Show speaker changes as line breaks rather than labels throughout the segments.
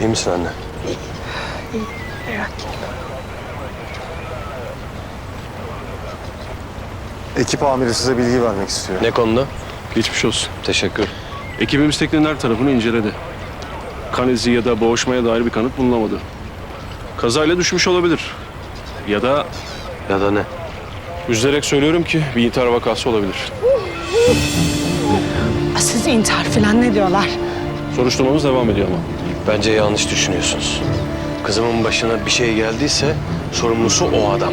İyi misin anne?
İyi, merak etme.
Ekip amiri size bilgi vermek istiyor.
Ne konuda?
Geçmiş olsun.
Teşekkür.
Ekibimiz teknenin her tarafını inceledi. Kan izi ya da boğuşmaya dair bir kanıt bulunamadı. Kazayla düşmüş olabilir. Ya da
Ya da ne?
üzülerek söylüyorum ki bir intihar vakası olabilir.
Siz intihar falan ne diyorlar?
Soruşturmamız devam ediyor ama.
Bence yanlış düşünüyorsunuz. Kızımın başına bir şey geldiyse sorumlusu o adam.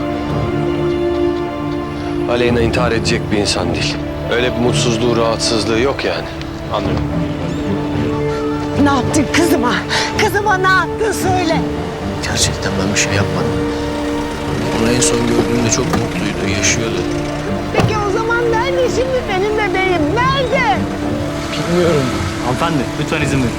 Aleyna intihar edecek bir insan değil. Öyle bir mutsuzluğu, rahatsızlığı yok yani.
Anlıyorum.
Ne yaptın kızıma? Kızıma ne yaptın söyle.
Gerçekten ben bir şey yapmadım. Onu en son gördüğümde çok mutluydu, yaşıyordu.
Peki o zaman nerede şimdi benim bebeğim? Nerede?
Bilmiyorum.
Hanımefendi lütfen izin verin.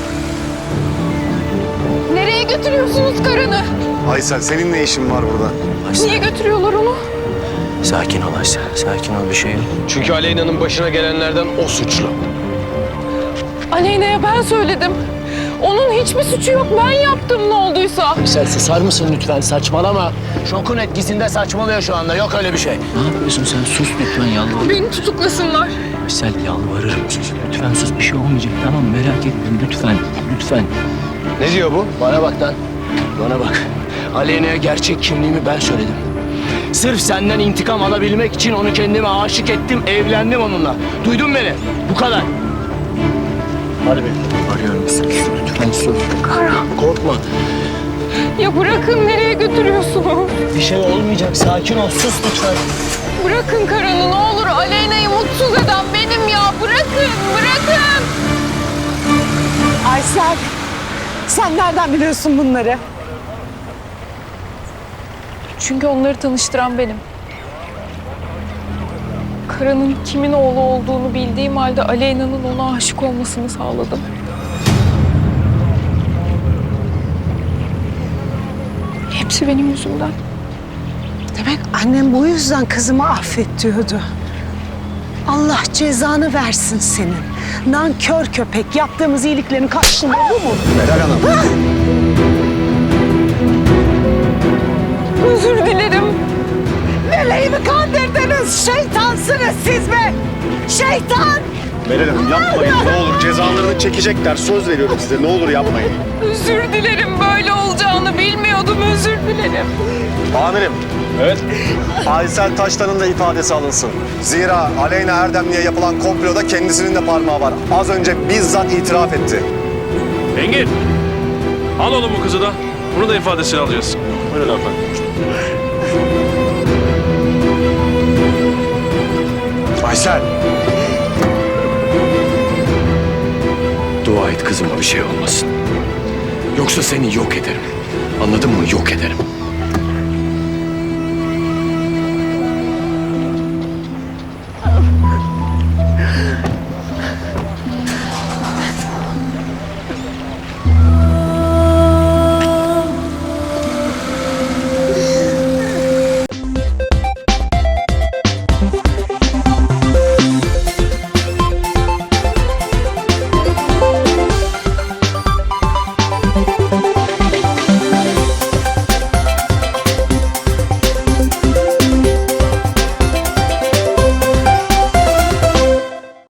Nereye götürüyorsunuz karını?
Aysel senin ne işin var burada?
Niye götürüyorlar onu?
Sakin ol Aysel, sakin ol, bir şey yok.
Çünkü Aleyna'nın başına gelenlerden o suçlu.
Aleyna'ya ben söyledim. Onun hiçbir suçu yok. Ben yaptım ne olduysa.
Aysel susar mısın lütfen, saçmalama. Şokun etkisinde saçmalıyor şu anda, yok öyle bir şey. Ne yapıyorsun sen? Sus lütfen, yalvarırım.
Beni tutuklasınlar.
Aysel yalvarırım, sus. Lütfen sus, bir şey olmayacak, tamam mı? Merak etme, lütfen, lütfen.
Ne diyor bu?
Bana bak lan, bana bak. Aleyna'ya gerçek kimliğimi ben söyledim. Sırf senden intikam alabilmek için onu kendime aşık ettim, evlendim onunla. Duydun beni? Bu kadar. Hadi be. Arıyorum, sus. Lütfen sus.
Kara.
Korkma.
Ya bırakın, nereye götürüyorsunuz?
Bir şey olmayacak, sakin ol. Sus lütfen.
Bırakın Karan'ı ne olur. Aleyna'yı mutsuz eden benim ya. Bırakın, bırakın.
Aysel, sen nereden biliyorsun bunları?
Çünkü onları tanıştıran benim. Karan'ın kimin oğlu olduğunu bildiğim halde Aleyna'nın ona aşık olmasını sağladım. Hepsi benim yüzümden.
Demek annem bu yüzden kızımı affet diyordu. Allah cezanı versin senin. Nankör köpek, yaptığımız iyiliklerin karşılığı bu mu?
Meral Hanım.
Özür dilerim.
Meleğimi kandırdınız, şeytansınız siz be! Şeytan!
Meral Hanım yapmayın ne olur cezalarını çekecekler. Söz veriyorum size ne olur yapmayın.
Özür dilerim. Böyle olacağını bilmiyordum. Özür dilerim.
Amirim.
Evet.
Aysel Taştan'ın da ifadesi alınsın. Zira Aleyna Erdemli'ye yapılan komploda kendisinin de parmağı var. Az önce bizzat itiraf etti.
Engin. Al oğlum bu kızı da. Bunu da ifadesini alacağız. Buyurun hanımefendi.
Aysel.
Dua et kızıma bir şey olmasın. Yoksa seni yok ederim. Anladın mı? Yok ederim.